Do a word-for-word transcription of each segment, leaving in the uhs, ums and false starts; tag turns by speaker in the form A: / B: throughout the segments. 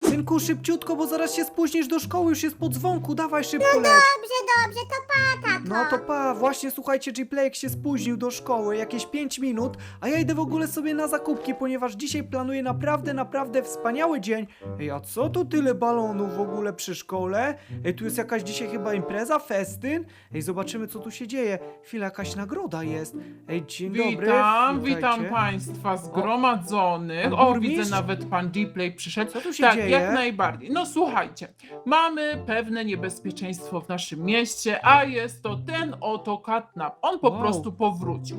A: Synku, szybciutko, bo zaraz się spóźnisz do szkoły, już jest po dzwonku, dawaj szybko leć.
B: Dobrze, dobrze, to pa, tato.
A: No to pa, właśnie słuchajcie, G-Playek się spóźnił do szkoły, jakieś pięć minut, a ja idę w ogóle sobie na zakupki, ponieważ dzisiaj planuję naprawdę, naprawdę wspaniały dzień. Ej, a co to tyle balonów w ogóle przy szkole? Ej, tu jest jakaś dzisiaj chyba impreza, festyn? Ej, zobaczymy co tu się dzieje. Chwila, jakaś nagroda jest. Ej, dzień dobry.
C: Witam,
A: witajcie.
C: witam Państwa zgromadzonych.
A: Pan
C: O,
A: burmistrz?
C: widzę, nawet pan G-Play przyszedł.
A: Co tu się
C: tak,
A: dzieje?
C: jak najbardziej. No słuchajcie, mamy pewne niebezpieczeństwo w naszym mieście, a jest to ten oto katnap. On po
A: Wow.
C: prostu powrócił.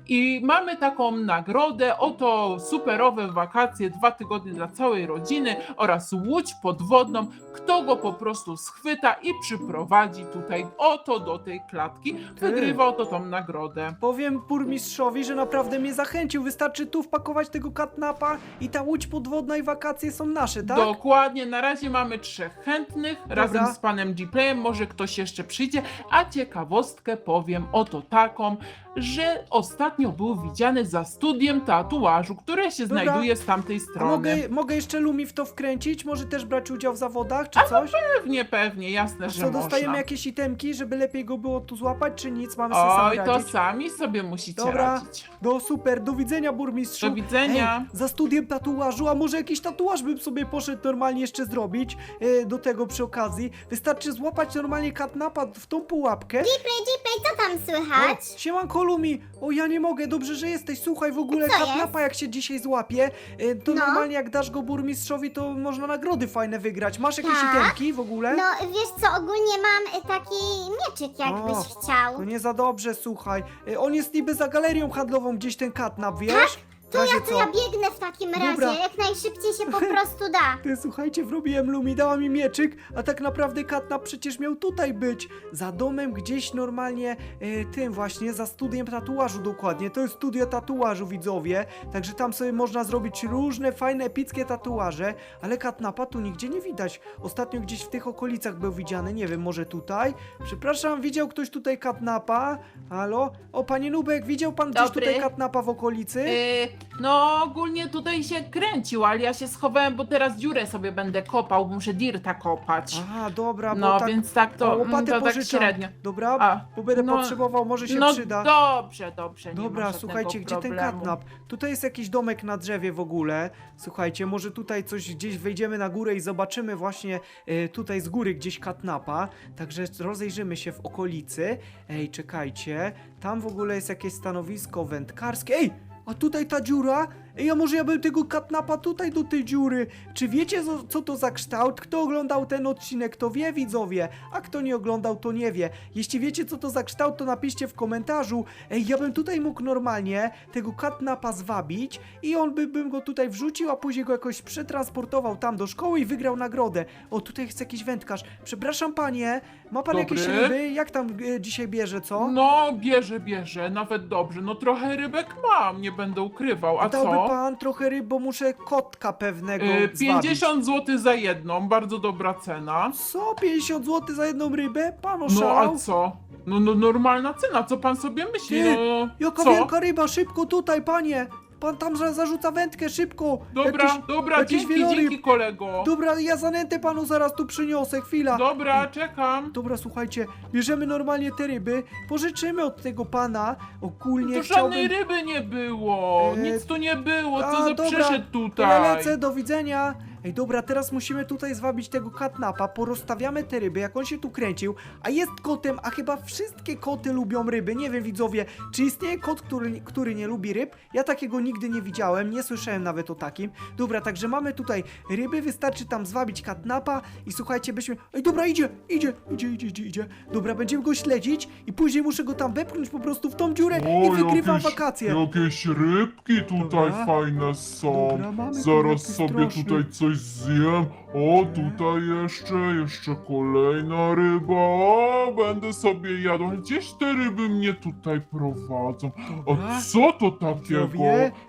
C: I mamy taką nagrodę, oto superowe wakacje, dwa tygodnie dla całej rodziny oraz łódź podwodną. Kto go po prostu schwyta i przyprowadzi tutaj oto do tej klatki, wygrywa oto tą nagrodę.
A: Powiem burmistrzowi, że naprawdę mnie zachęcił. Wystarczy tu wpakować tego katnapa i ta łódź podwodna i wakacje są nasze, tak?
C: Dokładnie, na razie mamy trzech chętnych, razem z panem G-Playem, może ktoś jeszcze przyjdzie, a ciekawostkę powiem oto taką, że ostatnio był widziany za studiem tatuażu, które się
A: Dobra.
C: znajduje z tamtej
A: A
C: strony.
A: mogę, mogę jeszcze Lumi w to wkręcić? Może też brać udział w zawodach, czy
C: A no
A: coś?
C: Pewnie, pewnie, jasne,
A: A
C: że
A: co, dostajemy
C: można.
A: jakieś itemki, żeby lepiej go było tu złapać, czy nic? Mamy sobie sami
C: Oj, to
A: radzić?
C: sami sobie musicie
A: Dobra,
C: radzić.
A: no super, do widzenia burmistrzu.
C: Do widzenia.
A: Ej, za studiem tatuażu, a może jakiś tatuaż bym sobie poszedł normalnie jeszcze zrobić e, do tego przy okazji. Wystarczy złapać normalnie katnapa w tą pułapkę.
B: Dziplej, dziplej, co tam słychać?
A: O, siemanko Lumi, o ja nie mogę, dobrze, że jesteś, słuchaj, w ogóle
B: Co
A: katnapa jak się dzisiaj złapie, e, to
B: No.
A: normalnie jak dasz go burmistrzowi, to można nagrody fajne wygrać. Masz jakieś
B: Tak?
A: itemki w ogóle?
B: No, wiesz co, ogólnie mam y, taki mieczyk, jakbyś
A: O,
B: chciał.
A: To nie za dobrze, słuchaj. E, On jest niby za galerią handlową gdzieś ten katnap, wiesz?
B: Tak?
A: W
B: To
A: razie
B: ja, to
A: co?
B: ja biegnę w takim razie,
A: Dobra.
B: jak najszybciej się po prostu da.
A: Ty, słuchajcie, wrobiłem Lumi, dała mi mieczyk, a tak naprawdę katnap przecież miał tutaj być. Za domem gdzieś normalnie, e, tym właśnie, za studiem tatuażu dokładnie. To jest studio tatuażu, widzowie. Także tam sobie można zrobić różne fajne, epickie tatuaże, ale katnapa tu nigdzie nie widać. Ostatnio gdzieś w tych okolicach był widziany, nie wiem, może tutaj? Przepraszam, widział ktoś tutaj katnapa? Halo? O, panie Nubek, widział pan gdzieś
C: Dobry.
A: tutaj katnapa w okolicy?
C: Yy, no ogólnie tutaj się kręcił, ale ja się schowałem, bo teraz dziurę sobie będę kopał, muszę dirta kopać.
A: Aha, dobra, bo
C: No
A: tak...
C: więc tak
A: o,
C: to, mm,
A: łopatę
C: to tak
A: pożyczam.
C: średnio.
A: Dobra,
C: A,
A: bo będę
C: no,
A: potrzebował, może się
C: no
A: przyda.
C: dobrze, dobrze. Nie ma
A: Dobra,
C: żadnego
A: słuchajcie, gdzie ten
C: problemu.
A: katnap? Tutaj jest jakiś domek na drzewie w ogóle. Słuchajcie, może tutaj coś gdzieś wejdziemy na górę i zobaczymy właśnie e, tutaj z góry gdzieś katnapa. Także rozejrzymy się w okolicy. Ej, czekajcie. Tam w ogóle jest jakieś stanowisko wędkarskie. Ej! A tutaj ta dziura? Ej, a może ja bym tego katnapa tutaj do tej dziury? Czy wiecie, co, co to za kształt? Kto oglądał ten odcinek, to wie, widzowie, a kto nie oglądał, to nie wie. Jeśli wiecie, co to za kształt, to napiszcie w komentarzu. Ej, ja bym tutaj mógł normalnie tego katnapa zwabić i on by bym go tutaj wrzucił, a później go jakoś przetransportował tam do szkoły i wygrał nagrodę. O, tutaj jest jakiś wędkarz. Przepraszam, panie, ma pan
C: Dobry.
A: jakieś ryby? Jak tam e, dzisiaj bierze, co?
C: No, bierze, bierze, nawet dobrze. No trochę rybek mam, nie będę ukrywał. A
A: Dałby
C: co?
A: pan trochę ryb, bo muszę kotka pewnego
C: Yy,
A: zwabić.
C: pięćdziesiąt złotych za jedną, bardzo dobra cena.
A: Co? pięćdziesiąt złotych za jedną rybę? Pan
C: No
A: oszalał?
C: a co? No, no normalna cena, co pan sobie myśli?
A: Ty,
C: No
A: Jaka
C: co?
A: wielka ryba, szybko tutaj, panie! Pan tam za- zarzuca wędkę, szybko!
C: Dobra,
A: Jakiś-
C: dobra,
A: jakiś
C: dzięki,
A: wieloryb.
C: dzięki kolego.
A: Dobra, ja zanętę panu zaraz tu przyniosę, chwila.
C: Dobra, czekam.
A: Dobra, słuchajcie, bierzemy normalnie te ryby, pożyczymy od tego pana. Ogólnie
C: Tu
A: chciałbym...
C: żadnej ryby nie było,
A: E,
C: nic tu nie było,
A: a,
C: co za
A: dobra,
C: przyszedł
A: To ja
C: tutaj.
A: lecę, do widzenia. Ej, dobra, teraz musimy tutaj zwabić tego katnapa, porozstawiamy te ryby, jak on się tu kręcił, a jest kotem, a chyba wszystkie koty lubią ryby, nie wiem widzowie, czy istnieje kot, który, który nie lubi ryb? Ja takiego nigdy nie widziałem, nie słyszałem nawet o takim. Dobra, także mamy tutaj ryby, wystarczy tam zwabić katnapa i słuchajcie, byśmy... Ej, dobra, idzie, idzie, idzie, idzie, idzie, idzie. Dobra, będziemy go śledzić i później muszę go tam wepchnąć po prostu w tą dziurę i wygrywam
D: jakieś,
A: wakacje.
D: Jakieś rybki tutaj
A: Dobra.
D: fajne są.
A: Dobra, mamy tu
D: Zaraz
A: jakieś
D: sobie
A: straszne.
D: tutaj coś zjem. O, tutaj jeszcze, jeszcze kolejna ryba. O, będę sobie jadł. Gdzieś te ryby mnie tutaj prowadzą.
A: Dobra.
D: A co to takiego?
A: Widzowie,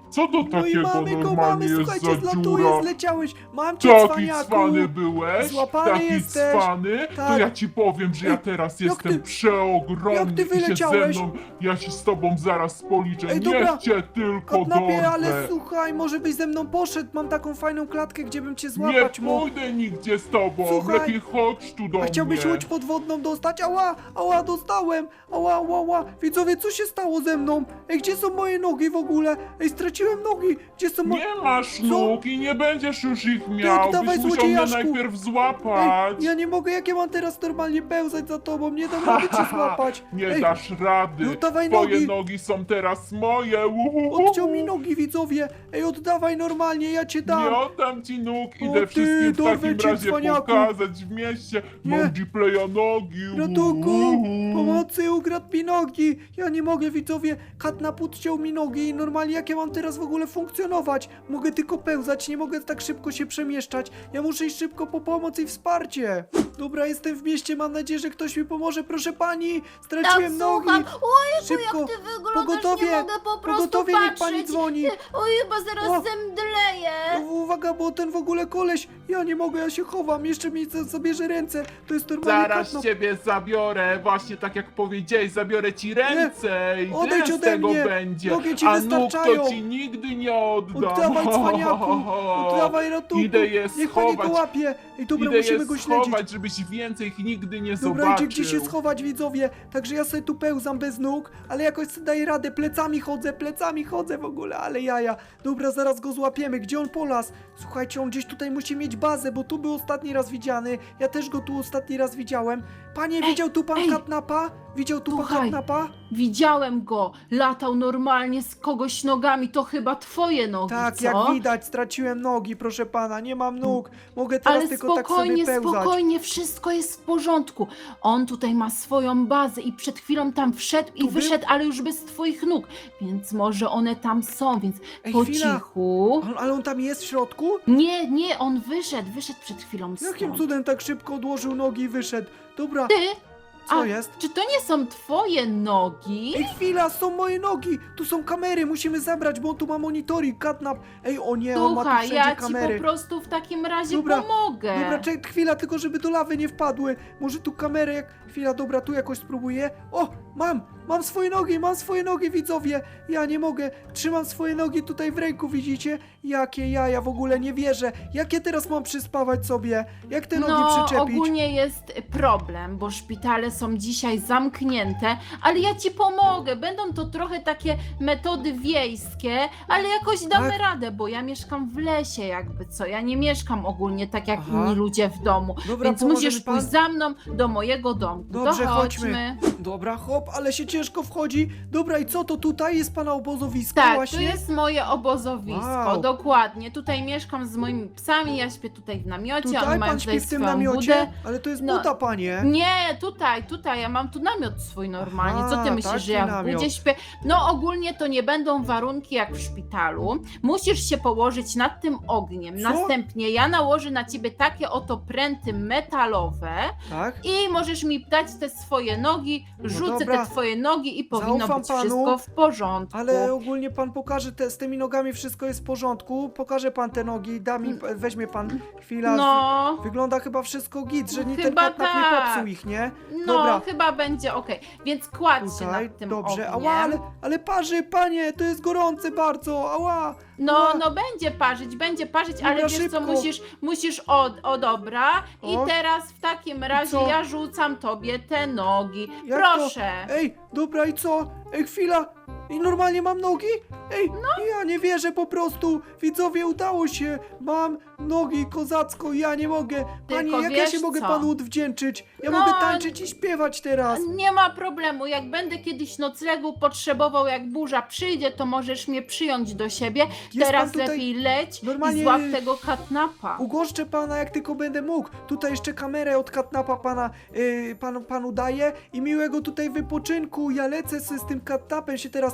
D: Co to
A: No i
D: takiego
A: mamy go,
D: normalnie
A: mamy,
D: jest
A: słuchajcie,
D: za
A: zlatuje,
D: dziura?
A: zleciałeś. Mam cię,
D: Taki
A: cwaniaku.
D: cwany byłeś?
A: Złapany
D: Taki
A: jesteś.
D: cwany? To
A: Tak.
D: ja ci powiem, że ja
A: Ej,
D: teraz
A: jak
D: jestem
A: ty-
D: przeogromny
A: jak ty
D: i się ze
A: wyleciałeś?
D: mną, ja się z tobą zaraz policzę.
A: Ej, dobra.
D: Niech cię tylko
A: Katnapie, ale
D: dorwę.
A: słuchaj, może byś ze mną poszedł. Mam taką fajną klatkę, gdzie bym cię
D: Nie
A: złapać mógł.
D: pójdę nigdzie z tobą.
A: Słuchaj.
D: Lepiej chodź tu do
A: A chciałbyś
D: mnie.
A: łódź podwodną dostać? Ała, ała, dostałem! Ała, ała, ała! Widzowie, co się stało ze mną? Ej, gdzie są moje nogi w ogóle? Ej, straciłem nogi! Gdzie są moje...
D: Nie masz nóg i nie będziesz już ich miał.
A: oddawaj,
D: Byś musiał mnie
A: złodziejaszku.
D: najpierw
A: Ej,
D: złapać.
A: ja nie mogę, jak ja mam teraz normalnie pełzać za tobą? Nie dam rady cię złapać!
D: Nie
A: Ej,
D: dasz rady.
A: no dawaj
D: Twoje
A: nogi.
D: nogi są teraz moje. Uhuhu.
A: odciął mi nogi, widzowie! Ej, oddawaj normalnie, ja cię dam!
D: Nie oddam ci nóg,
A: O
D: idę
A: ty,
D: wszystkim w
A: dorwę
D: takim
A: cię,
D: razie
A: cwaniaku.
D: pokazać w mieście.
A: Nie.
D: Mam G-playa nogi.
A: Ratunku!
D: Uhuhu.
A: Pomocy, ukradł mi nogi! Ja nie mogę, widzowie! Katnap odciął mi nogi i normalnie jak ja mam teraz w ogóle funkcjonować? Mogę tylko pełzać, nie mogę tak szybko się przemieszczać. Ja muszę iść szybko po pomoc i wsparcie. Dobra, jestem w mieście, mam nadzieję, że ktoś mi pomoże. Proszę pani,
B: Tak,
A: straciłem nogi!
B: słucham. Ojej,
A: Szybko!
B: jak ty wyglądasz,
A: Pogotowie!
B: nie mogę po prostu
A: Pogotowie, niech pani
B: patrzeć.
A: dzwoni!
B: Oj, chyba zaraz
A: O.
B: zemdleję.
A: Uwaga, bo ten w ogóle koleś, ja nie mogę, ja się chowam, jeszcze mi za- zabierze ręce. To jest normalnie
D: Zaraz
A: Katnap.
D: ciebie zabiorę, właśnie tak jak powiedziałeś, zabiorę ci ręce i
A: Odejdź
D: tyle z
A: ode
D: tego
A: mnie.
D: będzie.
A: Nogi ci
D: A nóg
A: wystarczają.
D: to ci nigdy nie oddam.
A: Oddawaj, cwaniaku! Oddawaj, ratunku!
D: Idę je
A: Niech pani go
D: schować.
A: łapie! Ej, dobra,
D: Idę
A: musimy
D: je
A: go śledzić.
D: schować, żebyś więcej ich nigdy nie
A: Dobra,
D: zobaczył.
A: idzie gdzie się schować, widzowie. Także ja sobie tu pełzam bez nóg, ale jakoś sobie daję radę. Plecami chodzę, plecami chodzę w ogóle, ale jaja. Dobra, zaraz go złapiemy. Gdzie on polas? Słuchajcie, on gdzieś tutaj musi mieć bazę, bo tu był ostatni raz widziany. Ja też go tu ostatni raz widziałem. Panie,
B: Ej,
A: widział tu pan
B: ej.
A: Katnapa? Widział tu pan
B: Słuchaj.
A: Katnapa?
B: Widziałem go, latał normalnie z kogoś nogami, to chyba twoje nogi,
A: Tak,
B: co?
A: jak widać, straciłem nogi, proszę pana, nie mam nóg. Mogę teraz
B: Ale
A: tylko tak sobie
B: spokojnie,
A: pełzać.
B: spokojnie, wszystko jest w porządku. On tutaj ma swoją bazę i przed chwilą tam wszedł i
A: był?
B: wyszedł, ale już bez twoich nóg. Więc może one tam są, więc
A: Ej,
B: po
A: chwila.
B: cichu.
A: On, ale on tam jest w środku?
B: Nie, nie, on wyszedł, wyszedł przed chwilą
A: Jakim
B: stąd.
A: cudem tak szybko odłożył nogi i wyszedł? Dobra,
B: Ty?
A: co
B: A,
A: jest?
B: Czy to nie są twoje nogi?
A: Ej, chwila, są moje nogi! Tu są kamery, musimy zabrać, bo on tu ma monitoring, Katnap. Ej, o nie, on ma tu
B: Słuchaj,
A: wszędzie
B: ja ci
A: kamery.
B: po prostu w takim razie
A: Dobra,
B: pomogę.
A: Dobra, czek, chwila, tylko żeby do lawy nie wpadły. Może tu kamerę jak... Chwila, dobra, tu jakoś spróbuję. O, mam! Mam swoje nogi, mam swoje nogi, widzowie! Ja nie mogę. Trzymam swoje nogi tutaj w ręku, widzicie? Jakie jaja, w ogóle nie wierzę. Jak ja teraz mam przyspawać sobie? Jak te nogi
B: No,
A: przyczepić?
B: ogólnie jest problem, bo szpitale są dzisiaj zamknięte, ale ja ci pomogę. Będą to trochę takie metody wiejskie, ale jakoś damy
A: Tak?
B: radę, bo ja mieszkam w lesie jakby co. Ja nie mieszkam ogólnie tak jak
A: Aha.
B: inni ludzie w domu.
A: Dobra,
B: Więc
A: pomoże
B: musisz
A: mi pan?
B: pójść za mną do mojego domku.
A: Dobrze,
B: to
A: chodźmy.
B: chodźmy.
A: Dobra, hop, ale się ciężko wchodzi. Dobra, i co to tutaj jest pana obozowisko
B: Tak,
A: właśnie?
B: to jest moje obozowisko,
A: Wow.
B: dokładnie. Tutaj mieszkam z moimi psami, ja śpię tutaj w namiocie, oni
A: Tutaj
B: mają
A: pan
B: tutaj
A: śpi w tym
B: swoją
A: namiocie?
B: budę.
A: Ale to jest
B: No.
A: buta, panie.
B: Nie, tutaj, tutaj, ja mam tu namiot swój normalnie. Co ty
A: Aha,
B: myślisz,
A: taki
B: że ja w
A: namiot.
B: budzie śpię? No ogólnie to nie będą warunki jak w szpitalu. Musisz się położyć nad tym ogniem.
A: Co?
B: Następnie ja nałożę na ciebie takie oto pręty metalowe
A: Tak?
B: i możesz mi dać te swoje nogi, rzucę
A: dobra.
B: te twoje nogi i powinno
A: Zaufam
B: być
A: panu,
B: wszystko w porządku.
A: Ale ogólnie pan pokaże, te, z tymi nogami wszystko jest w porządku. Pokaże pan te nogi, da mi, weźmie pan chwila.
B: No,
A: Wygląda chyba wszystko git, że ni ten
B: Chyba
A: katnap nie
B: tak.
A: popsuł ich, nie?
B: no
A: Dobra.
B: chyba będzie okej. Więc kładź się
A: Tutaj,
B: nad tym
A: dobrze.
B: ogniem.
A: Ała, ale, ale parzy, panie, to jest gorące bardzo, ała.
B: No,
A: Ała.
B: no będzie parzyć, będzie parzyć,
A: Dobra,
B: ale wiesz
A: szybko.
B: co, musisz, musisz, o, o dobra. I
A: O.
B: teraz w takim razie
A: co?
B: ja rzucam tobie te nogi.
A: Jak
B: Proszę.
A: To? Ej, dobra i co? Ej, chwila. I normalnie mam nogi? Ej,
B: No.
A: ja nie wierzę po prostu. Widzowie, udało się. Mam nogi kozacko, ja nie mogę. Panie,
B: Tylko
A: jak ja
B: wiesz
A: się mogę
B: co?
A: panu odwdzięczyć? Ja
B: No,
A: mogę tańczyć i śpiewać teraz.
B: Nie ma problemu, jak będę kiedyś noclegu potrzebował, jak burza przyjdzie, to możesz mnie przyjąć do siebie.
A: Jest
B: Teraz
A: pan tutaj-
B: lepiej leć
A: normalnie-
B: i złap tego katnapa.
A: Ugoszczę pana jak tylko będę mógł. Tutaj jeszcze kamerę od katnapa pana, yy, panu, panu daję i miłego tutaj wypoczynku. Ja lecę z, z tym katnapem się teraz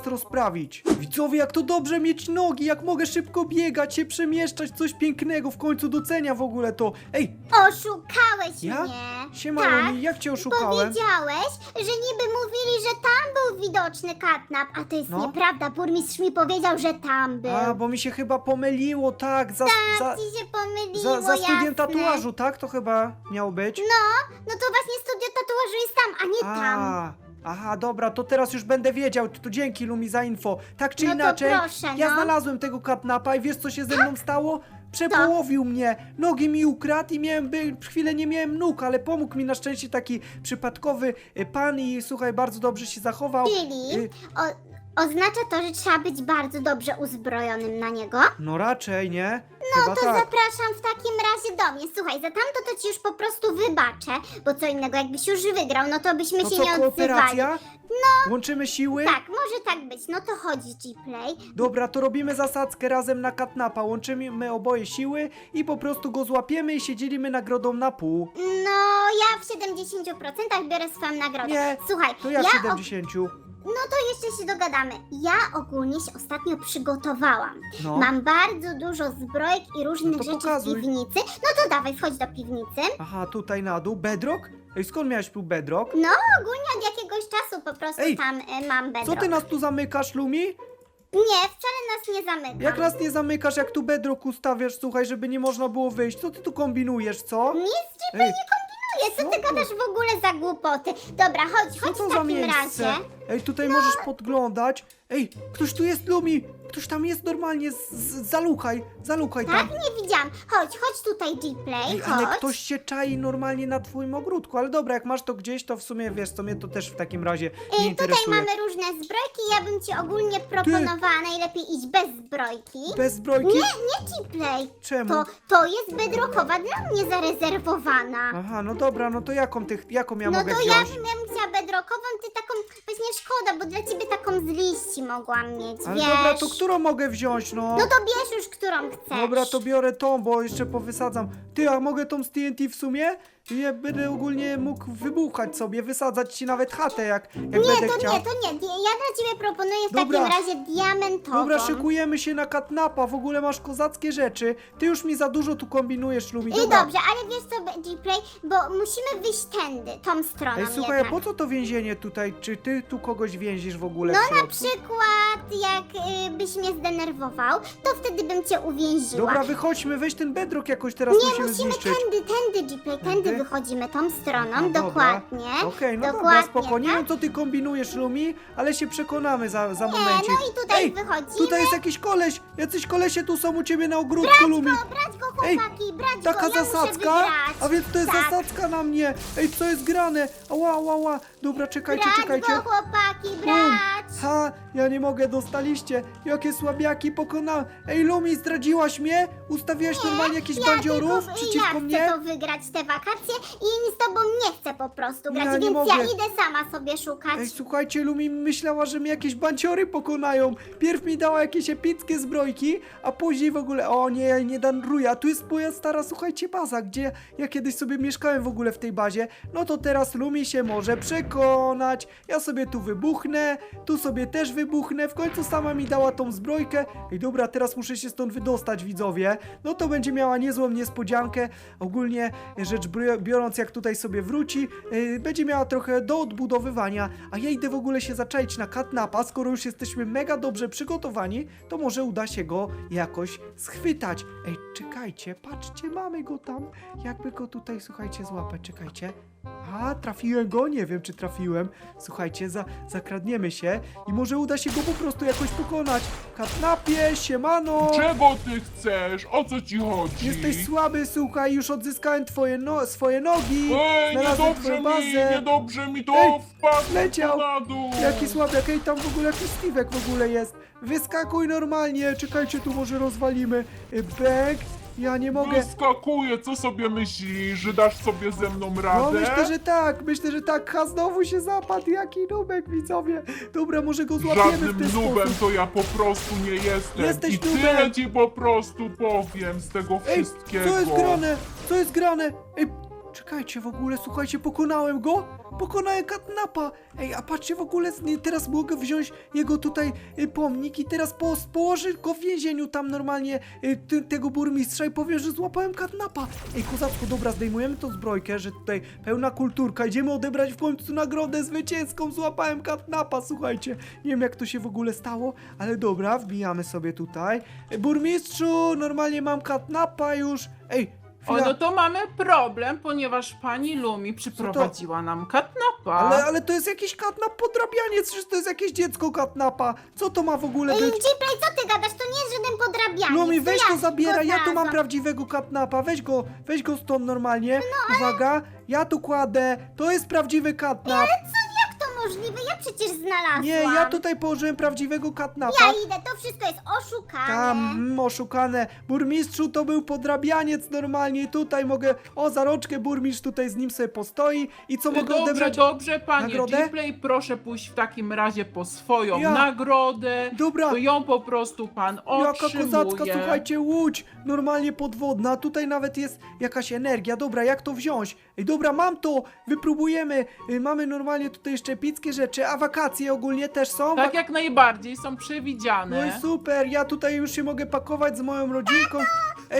A: zaraz rozprawić. Widzowie, jak to dobrze mieć nogi, jak mogę szybko biegać, się przemieszczać, coś pięknego, w końcu docenia w ogóle to. Ej,
E: Oszukałeś
A: Ja?
E: mnie.
A: siema
E: Tak,
A: Lumi, jak cię oszukałem?
E: Powiedziałeś, że niby mówili, że tam był widoczny katnap, a to jest
A: No.
E: nieprawda. Burmistrz mi powiedział, że tam był.
A: A, bo mi się chyba pomyliło, tak, za, za,
E: Ci się pomyliło,
A: za, za studiem
E: jasne.
A: tatuażu, tak? To chyba miało być?
E: No, no to właśnie studio tatuażu jest tam, a nie tam.
A: A, aha, dobra, to teraz już będę wiedział. To dzięki Lumi za info. Tak czy
E: No to
A: inaczej,
E: proszę,
A: ja
E: no.
A: znalazłem tego katnapa i wiesz co się ze mną stało? Przepołowił mnie, nogi mi ukradł i miałem, by, chwilę nie miałem nóg, ale pomógł mi na szczęście taki przypadkowy y, pan i słuchaj, bardzo dobrze się zachował.
E: Czyli
A: Y,
E: o, oznacza to, że trzeba być bardzo dobrze uzbrojonym na niego.
A: No raczej, nie?
E: No
A: Chyba
E: to
A: tak.
E: zapraszam w takim razie do mnie. Słuchaj, za tamto to ci już po prostu wybaczę, bo co innego, jakbyś już wygrał, no to byśmy
A: To
E: się
A: co,
E: nie odzywali.
A: kooperacja? No. Łączymy siły?
E: Tak, może tak być. No to chodź, G-Play.
A: Dobra, to robimy zasadzkę razem na katnapa. Łączymy oboje siły i po prostu go złapiemy i się dzielimy nagrodą na pół.
E: No, ja w siedemdziesięciu procentach biorę swoją nagrodę.
A: Nie,
E: Słuchaj,
A: To ja w
E: ja
A: siedemdziesięciu.
E: o... no to jeszcze się dogadamy. Ja ogólnie się ostatnio przygotowałam.
A: No.
E: Mam bardzo dużo zbrojek i różnych
A: No to
E: rzeczy
A: pokazuj.
E: w piwnicy. No to dawaj, wchodź do piwnicy.
A: Aha, tutaj na dół. Bedrock? Ej, skąd miałeś tu bedrock?
E: No, ogólnie od jakiegoś czasu po prostu
A: Ej,
E: tam y, mam bedrock.
A: Co ty nas tu zamykasz, Lumi?
E: Nie, wcale nas nie zamykam.
A: Jak nas nie zamykasz, jak tu bedrock ustawiasz, słuchaj, żeby nie można było wyjść? Co ty tu kombinujesz, co?
E: Nic ci
A: Ej,
E: nie co ty
A: co?
E: gadasz w ogóle za głupoty? Dobra, chodź,
A: co
E: chodź
A: to
E: w
A: za
E: takim
A: miejsce?
E: razie.
A: Ej, tutaj możesz podglądać. Ej, ktoś tu jest, Lumi! Ktoś tam jest normalnie, z, z, zalukaj, zalukaj
E: Tak,
A: tam.
E: nie widziałam. Chodź, chodź tutaj, G-Play,
A: Ej,
E: chodź.
A: ale ktoś się czai normalnie na twoim ogródku, ale dobra, jak masz to gdzieś, to w sumie, wiesz co, mnie to też w takim razie nie
E: Ej, tutaj
A: interesuje.
E: mamy różne zbrojki, ja bym ci ogólnie proponowała najlepiej iść bez zbrojki.
A: Bez zbrojki?
E: Nie, nie G-Play.
A: Czemu?
E: To, to jest bedrockowa dla mnie zarezerwowana.
A: Aha, no dobra, no to jaką, tych, jaką ja
E: No
A: mogę
E: to
A: wziąć?
E: ja bym ja bym chciała bedrockową, ty taką, właśnie szkoda, bo dla ciebie taką z liści mogłam mieć,
A: Ale
E: wiesz.
A: dobra, to którą mogę wziąć, no?
E: No to bierz już, którą chcesz.
A: Dobra, to biorę tą, bo jeszcze powysadzam. Ty, a mogę tą z T N T w sumie? Ja będę ogólnie mógł wybuchać sobie, wysadzać ci nawet chatę, jak, jak
E: Nie,
A: będę
E: to
A: chciał.
E: nie, to nie. Ja dla ciebie proponuję w
A: Dobra.
E: takim razie diamentową.
A: Dobra, szykujemy się na katnapa, w ogóle masz kozackie rzeczy. Ty już mi za dużo tu kombinujesz, Lumi,
E: I
A: dobra.
E: dobrze, ale wiesz co, G-Play, bo musimy wyjść tędy, tą stroną
A: Ej, słuchaj, a
E: jednak.
A: po co to więzienie tutaj? Czy ty tu kogoś więzisz w ogóle
E: No
A: w
E: na
A: środku?
E: przykład, jak y, byś mnie zdenerwował, to wtedy bym cię uwięziła.
A: Dobra, wychodźmy, weź ten bedrock jakoś teraz
E: Nie,
A: musimy
E: musimy
A: zniszczyć.
E: tędy, tędy, G-Play, tędy
A: Tędy?
E: wychodzimy tą stroną,
A: No dobra.
E: dokładnie.
A: Okej, no
E: dokładnie,
A: dobra, spoko. Nie
E: tak?
A: wiem, co ty kombinujesz, Lumi, ale się przekonamy za, za
E: Nie,
A: momencik.
E: no i tutaj
A: Ej,
E: wychodzimy.
A: tutaj jest jakiś koleś. Jacyś kolesie tu są u ciebie na ogródku, Lumi.
E: No, brać go
A: Ej,
E: chłopaki, brać
A: Taka
E: go, ja
A: zasadzka?
E: muszę wygrać.
A: A więc to jest
E: Tak.
A: zasadzka na mnie. Ej, co jest grane? Ała, ała, ała. Dobra, czekajcie,
E: Brać
A: czekajcie.
E: go chłopaki,
A: Bum.
E: brać.
A: Ha, ja nie mogę, dostaliście. Jakie słabiaki pokonałem. Ej, Lumi, zdradziłaś mnie? Ustawiłaś normalnie jakichś bandziorów
E: tylko,
A: przeciwko
E: ja
A: mnie?
E: chcę to wygrać te wakacje i z tobą nie chcę po prostu grać,
A: Ja nie
E: więc
A: mogę.
E: ja idę sama sobie szukać.
A: Ej, słuchajcie, Lumi myślała, że mnie jakieś banciory pokonają. Pierw mi dała jakieś epickie zbrojki, a później w ogóle, o nie, nie danruję. A tu jest moja stara, słuchajcie, baza, gdzie ja kiedyś sobie mieszkałem w ogóle w tej bazie. No to teraz Lumi się może przekonać. Ja sobie tu wybuchnę, tu sobie też wybuchnę. W końcu sama mi dała tą zbrojkę. Ej, dobra, teraz muszę się stąd wydostać, widzowie. No to będzie miała niezłą niespodziankę. Ogólnie rzecz br- biorąc, jak tutaj sobie wróci, yy, będzie miała trochę do odbudowywania, a ja idę w ogóle się zaczaić na katnapa. Skoro już jesteśmy mega dobrze przygotowani, to może uda się go jakoś schwytać. Ej, czekajcie, patrzcie, mamy go tam. Jakby go tutaj, słuchajcie, złapać, czekajcie. A, trafiłem go? Nie wiem, czy trafiłem. Słuchajcie, za, zakradniemy się i może uda się go po prostu jakoś pokonać. Katnapie, siemano!
D: Czego ty chcesz? O co ci chodzi?
A: Jesteś słaby, słuchaj, już odzyskałem twoje no, swoje nogi.
D: Ej,
A: Znalazłem
D: niedobrze
A: twoją
D: mi,
A: bazę.
D: niedobrze mi to
A: Ej,
D: wpadł
A: leciał.
D: na dół.
A: Jaki słabiak, ej, tam w ogóle jakiś Steve'ek w ogóle jest. Wyskakuj normalnie, czekajcie, tu może rozwalimy. Y, Bęk, ja nie mogę.
D: Wyskakuję, co sobie myślisz, że dasz sobie ze mną radę?
A: No myślę, że tak, myślę, że tak. Ha, znowu się zapadł, jaki nubek, widzowie. Dobra, może go złapiemy w
D: Żadnym
A: ten
D: nubem
A: sposób.
D: to ja po prostu nie jestem.
A: Jesteś
D: I
A: nubem.
D: tyle ci po prostu powiem z tego
A: Ej,
D: wszystkiego.
A: co jest grane? Co jest grane? Ej, czekajcie w ogóle, słuchajcie, pokonałem go. Pokonałem katnapa. Ej, a patrzcie w ogóle, nie, teraz mogę wziąć jego tutaj y, pomnik i teraz po, położę go w więzieniu tam normalnie y, ty, tego burmistrza i powiem, że złapałem katnapa. Ej, kozacko, dobra, zdejmujemy tą zbrojkę, że tutaj pełna kulturka. Idziemy odebrać w końcu nagrodę zwycięską. Złapałem katnapa, słuchajcie. Nie wiem, jak to się w ogóle stało, ale dobra, wbijamy sobie tutaj. Ej, burmistrzu, normalnie mam katnapa już. Ej,
C: O,
A: chwila.
C: no to mamy problem, ponieważ pani Lumi przyprowadziła nam katnapa.
A: Ale, ale to jest jakiś katnap podrabianiec, przecież to jest jakieś dziecko katnapa. Co to ma w ogóle
E: Ej,
A: być?
E: Gplay, co ty gadasz? To nie jest żaden podrabianiec.
A: Lumi, weź
E: to
A: go
E: ja
A: zabieraj,
E: go
A: ja tu mam
E: znalazłam.
A: prawdziwego katnapa, weź go, weź go stąd normalnie. Uwaga, ja tu kładę, to jest prawdziwy katnap.
E: Jak to możliwe? Ja przecież znalazłam.
A: Nie, ja tutaj położyłem prawdziwego katnapa.
E: Ja idę, to wszystko jest oszukane.
A: Tam, mm, oszukane. Burmistrzu, to był podrabianiec normalnie. Tutaj mogę, o, za rączkę burmistrz tutaj z nim sobie postoi. I co mogę
C: Dobrze,
A: odebrać?
C: dobrze, panie
A: nagrodę?
C: Gplay, proszę pójść w takim razie po swoją
A: Ja.
C: nagrodę.
A: Dobra.
C: To ją po prostu pan
A: Jaka
C: otrzymuje.
A: kozacka, słuchajcie, łódź, normalnie podwodna, tutaj nawet jest jakaś energia, dobra, jak to wziąć? Ej, dobra, mam to, wypróbujemy, y, mamy normalnie tutaj jeszcze epickie rzeczy, a wakacje ogólnie też są?
C: Tak jak najbardziej, są przewidziane.
A: No i super, ja tutaj już się mogę pakować z moją rodzinką. Ej,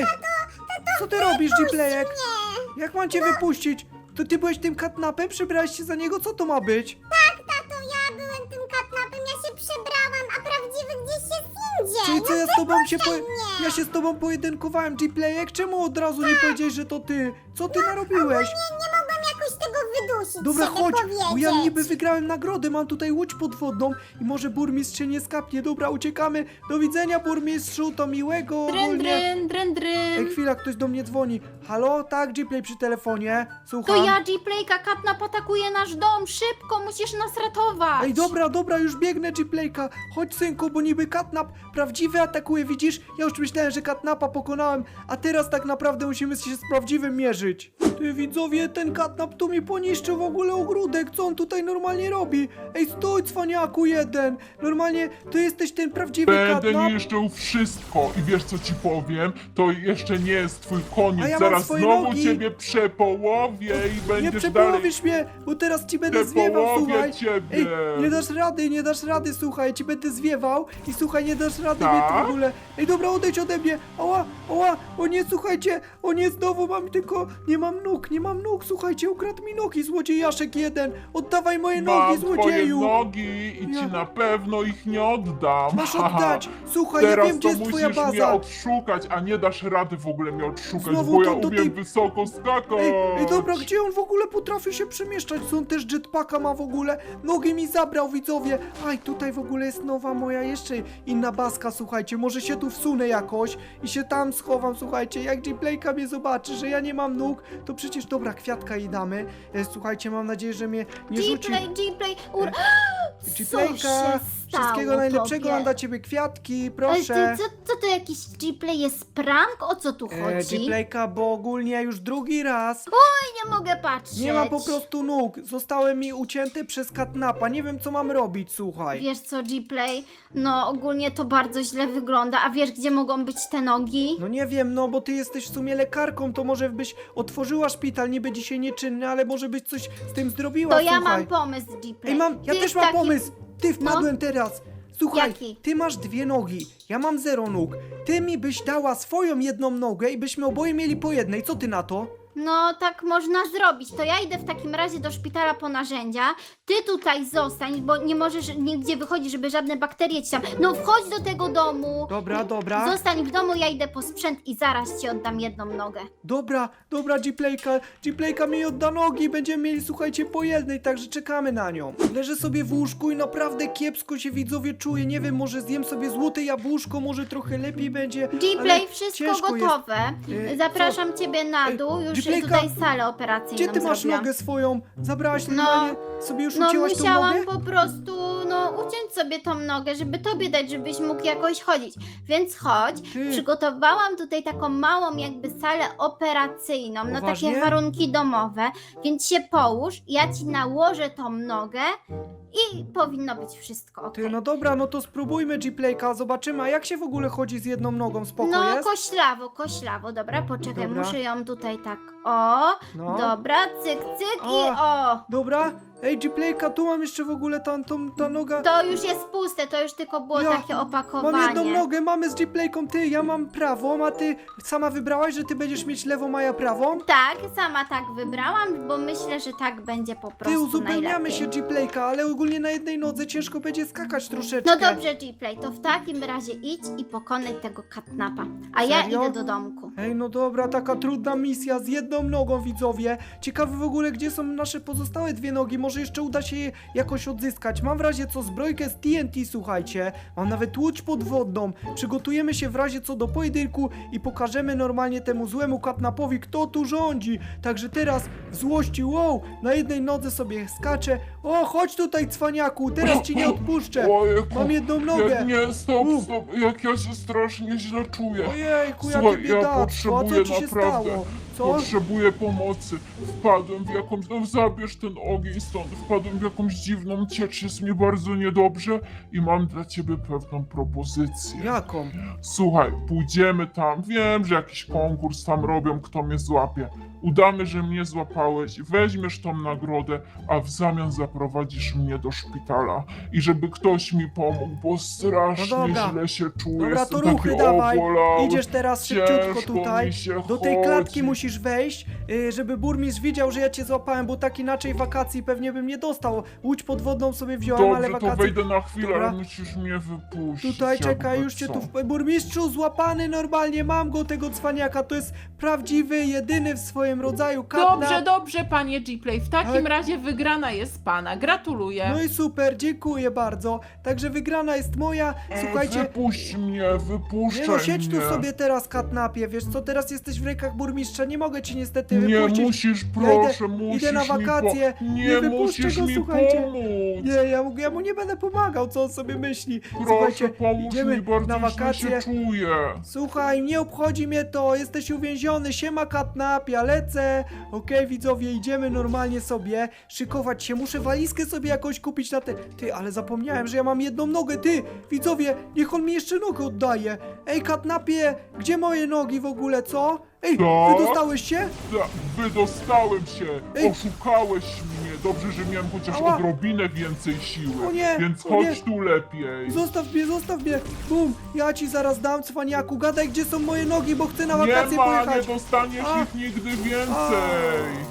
A: co ty robisz, Gplayek? Jak mam cię wypuścić? To ty byłeś tym katnapem, przebrałeś się za niego, co to ma być?
E: Tato, ja byłem tym katnapem, ja się przebrałam, a prawdziwy gdzieś jest indziej.
A: Czyli co, ja z tobą się po...
E: mnie.
A: Ja się z tobą pojedynkowałem, Gplayek, czemu od razu nie powiedziałeś, że to ty? Co ty narobiłeś?
E: Nie, nie mogłam jakoś tego wydusić,
A: Dobra,
E: żeby
A: chodź,
E: powiedzieć.
A: bo ja niby wygrałem nagrodę, mam tutaj łódź podwodną i może burmistrz się nie skapnie. Dobra, uciekamy. Do widzenia, burmistrzu, to miłego
B: Dryn,
A: ogólnie.
B: dryn, dryn,
A: Ej,
B: dryn.
A: chwila, ktoś do mnie dzwoni. Halo? Tak, Gplay przy telefonie.
B: To
A: Słucham.
B: ja, Gplayka, katnap atakuje nasz dom. Szybko, musisz nas ratować.
A: Ej, dobra, dobra, już biegnę, Gplayka. Chodź, synku, bo niby katnap prawdziwy atakuje, widzisz? Ja już myślałem, że katnapa pokonałem, a teraz tak naprawdę musimy się z prawdziwym mierzyć. Ty, widzowie, ten katnap tu mi poniszczył w ogóle ogródek, co on tutaj normalnie robi? Ej, stój, cwaniaku jeden. Normalnie, ty jesteś ten prawdziwy
D: Będę
A: katnap.
D: niszczył wszystko i wiesz co ci powiem? To jeszcze nie jest twój koniec,
A: A ja mam
D: zaraz
A: swoje
D: znowu
A: nogi.
D: ciebie przepołowię i
A: Nie
D: będziesz dalej...
A: przepołowisz mnie, bo teraz ci będę zwiewał,
D: Przepołowię
A: słuchaj.
D: ciebie.
A: Ej, nie dasz rady, nie dasz rady, słuchaj, ci będę zwiewał i słuchaj, nie dasz rady mnie tu w
D: Tak?
A: ogóle. Ej, dobra, odejdź ode mnie. Ała, ała, o nie, słuchajcie, o nie, znowu mam tylko, nie mam nóg, nie mam nóg, słuchajcie, ukradł mi nogi, złodziejaszek jeden. Oddawaj moje nogi,
D: Mam twoje
A: złodzieju.
D: nogi i
A: Ja-
D: ci na pewno ich nie oddam.
A: Masz oddać. Słuchaj, ja
D: Teraz
A: wiem,
D: to
A: gdzie jest twoja
D: musisz mnie
A: baza.
D: odszukać, a nie dasz rady w ogóle mnie odszukać,
A: Znowu
D: bo ja
A: to do
D: umiem
A: tej-
D: wysoko skakać.
A: Ej, ej, dobra, gdzie on w ogóle potrafi się przemieszczać? Co on też jetpacka ma w ogóle? Nogi mi zabrał, widzowie. Aj, tutaj w ogóle jest nowa moja, jeszcze inna baska, słuchajcie. Może się tu wsunę jakoś i się tam schowam, słuchajcie. Jak Gplayka mnie zobaczy, że ja nie mam nóg, to przecież, dobra, kwiatka jej damy. E, słuchajcie, mam nadzieję, że mnie nie rzuci.
B: Gplay, Gplay, ur... Co się
A: Gplayka,
B: stało
A: wszystkiego najlepszego,
B: tobie?
A: mam dla ciebie kwiatki,
B: Ale
A: proszę.
B: ty, co, co to jakiś Gplay jest prank? O co tu
A: E,
B: chodzi?
A: Gplayka, bo ogólnie już drugi raz
B: Nie mogę patrzeć.
A: nie mam po prostu nóg. Zostały mi ucięte przez katnapa. Nie wiem, co mam robić, słuchaj.
B: Wiesz co, Gplay? No ogólnie to bardzo źle wygląda. A wiesz, gdzie mogą być te nogi?
A: No nie wiem, no bo ty jesteś w sumie lekarką, to może byś otworzyła szpital, niby dzisiaj nieczynny, ale może byś coś z tym zrobiła,
B: To ja
A: słuchaj.
B: mam pomysł, Gplay.
A: Ej, mam, ja
B: Ty
A: też
B: w
A: mam
B: takim-
A: pomysł. Ty wpadłem teraz. Słuchaj,
B: Jaki?
A: ty masz dwie nogi, ja mam zero nóg. Ty mi byś dała swoją jedną nogę i byśmy oboje mieli po jednej. Co ty na to?
B: No tak można zrobić. To ja idę w takim razie do szpitala po narzędzia. Ty tutaj zostań, bo nie możesz nigdzie wychodzić, żeby żadne bakterie ci tam... No wchodź do tego domu.
A: Dobra, dobra.
B: Zostań w domu, ja idę po sprzęt i zaraz ci oddam jedną nogę.
A: Dobra, dobra, Gplayka, Gplayka mi odda nogi, będziemy mieli, słuchajcie, po jednej, także czekamy na nią. Leżę sobie w łóżku i naprawdę kiepsko się, widzowie, czuję, nie wiem, może zjem sobie złote jabłuszko, może trochę lepiej będzie,
B: Gplay,
A: ale
B: wszystko
A: ciężko
B: gotowe.
A: jest. E,
B: Zapraszam ciebie na
A: Ej,
B: dół, już
A: Gplayka,
B: tutaj salę operacyjną
A: Gdzie ty masz
B: zrobiłam.
A: nogę swoją? Zabrałaś
B: No,
A: normalnie, sobie już
B: No
A: ucięłaś tą
B: musiałam
A: nogę?
B: po prostu, no uciąć sobie tą nogę, żeby tobie dać, żebyś mógł jakoś chodzić. Więc chodź,
A: Ty.
B: przygotowałam tutaj taką małą jakby salę operacyjną, no
A: Poważnie?
B: takie warunki domowe, więc się połóż, ja ci nałożę tą nogę i powinno być wszystko ok.
A: Ty, no dobra, no to spróbujmy Gplayka, zobaczymy, a jak się w ogóle chodzi z jedną nogą, spoko
B: No
A: jest?
B: koślawo, koślawo, dobra, poczekaj,
A: Dobra.
B: muszę ją tutaj tak, O,
A: No.
B: dobra, cyk, cyk i
A: O.
B: o.
A: Dobra. Ej, G-Playka, tu mam jeszcze w ogóle tam, tą, ta noga.
B: To już jest puste, to już tylko było
A: Ja
B: takie
A: Mam
B: opakowanie.
A: jedną nogę, mamy z G-Playką, ty, ja mam prawą, a ty sama wybrałaś, że ty będziesz mieć lewą, a ja prawą?
B: Tak, sama tak wybrałam, bo myślę, że tak będzie po prostu
A: Ty, uzupełniamy
B: najlepiej.
A: się G-Playka, ale ogólnie na jednej nodze ciężko będzie skakać troszeczkę.
B: No dobrze, G-Play, to w takim razie idź i pokonaj tego katnapa. A ja
A: Serio?
B: idę do domku.
A: Ej, no dobra, taka trudna misja z jedną nogą, widzowie. Ciekawe w ogóle, gdzie są nasze pozostałe dwie nogi. Może jeszcze uda się je jakoś odzyskać. Mam w razie co zbrojkę z T N T, słuchajcie. Mam nawet łódź podwodną. Przygotujemy się w razie co do pojedynku i pokażemy normalnie temu złemu katnapowi, kto tu rządzi. Także teraz w złości, wow, na jednej nodze sobie skaczę. O, chodź tutaj, cwaniaku, teraz ci nie odpuszczę.
D: Ojejku,
A: Mam jedną
D: jak
A: nogę.
D: nie, stop,
A: Uf.
D: stop, jak ja się strasznie źle czuję.
A: Ojejku, jakie
D: Słuchaj, ja
A: biedactwo, a co
D: potrzebuję
A: ci się
D: naprawdę,
A: stało? Co?
D: potrzebuję pomocy. Wpadłem w jakąś, no zabierz ten ogień stąd, wpadłem w jakąś dziwną ciecz, jest mi bardzo niedobrze i mam dla ciebie pewną propozycję.
A: Jaką?
D: Słuchaj, pójdziemy tam, wiem, że jakiś konkurs tam robią, kto mnie złapie. Udamy, że mnie złapałeś, weźmiesz tą nagrodę, a w zamian zaprowadzisz mnie do szpitala. I żeby ktoś mi pomógł, bo strasznie
A: No dobra.
D: źle się czuję.
A: Dobra,
D: jestem
A: to ruchy
D: taki
A: dawaj.
D: obolały.
A: Idziesz teraz szybciutko
D: Ciężko
A: tutaj.
D: mi się
A: Do tej klatki
D: chodzi.
A: musisz wejść, yy, żeby burmistrz widział, że ja cię złapałem, bo tak inaczej wakacji pewnie bym nie dostał. Łódź podwodną sobie wziąłem, ale
D: Dobrze, to
A: wakacje...
D: wejdę na chwilę,
A: Dobra.
D: ale musisz mnie wypuścić.
A: Tutaj czekaj,
D: jakby
A: już cię
D: co.
A: tu... W... Burmistrzu, złapany normalnie, mam go, tego cwaniaka. To jest prawdziwy, jedyny w swoim rodzaju katnap.
C: Dobrze, dobrze, panie G-Play. W takim
A: Tak.
C: razie wygrana jest pana. Gratuluję.
A: No i super, dziękuję bardzo. Także wygrana jest moja. Słuchajcie,
D: Wypuść mnie, wypuszczaj
A: nie no, siedź tu
D: mnie.
A: sobie teraz, katnapie, wiesz co, teraz jesteś w rękach burmistrza, nie mogę ci niestety
D: Nie
A: wypuścić.
D: musisz,
A: Ja
D: proszę,
A: idę-
D: musisz
A: idę na
D: mi
A: wakacje.
D: Po...
A: Nie
D: Nie,
A: wypuszczę
D: musisz
A: go,
D: mi
A: słuchajcie.
D: pomóc.
A: Nie, ja, mu- ja mu nie będę pomagał, co on sobie myśli.
D: Proszę,
A: Słuchajcie,
D: pomóż
A: idziemy
D: mi, bardzo
A: na
D: źle
A: wakacje.
D: się czuję.
A: Słuchaj, nie obchodzi mnie to, jesteś uwięziony, siema katnap, ja lecę. Okej, widzowie, idziemy normalnie sobie szykować się, muszę walizkę sobie jakoś kupić na te... Ty, ale zapomniałem, że ja mam jedną nogę, ty, widzowie, niech on mi jeszcze nogę oddaje. Ej, katnapie, gdzie moje nogi w ogóle, co? Ej,
D: Co?
A: wydostałeś się?
D: Da, wydostałem się,
A: Ej.
D: oszukałeś mnie. Dobrze, że miałem chociaż
A: Ała.
D: odrobinę więcej siły.
A: O nie,
D: Więc
A: o
D: chodź
A: nie.
D: tu lepiej.
A: Zostaw mnie, zostaw mnie, bum, ja ci zaraz dam, cwaniaku, gadaj, gdzie są moje nogi, bo chcę na
D: Nie
A: wakacje
D: ma,
A: pojechać.
D: nie dostaniesz
A: A.
D: ich nigdy więcej.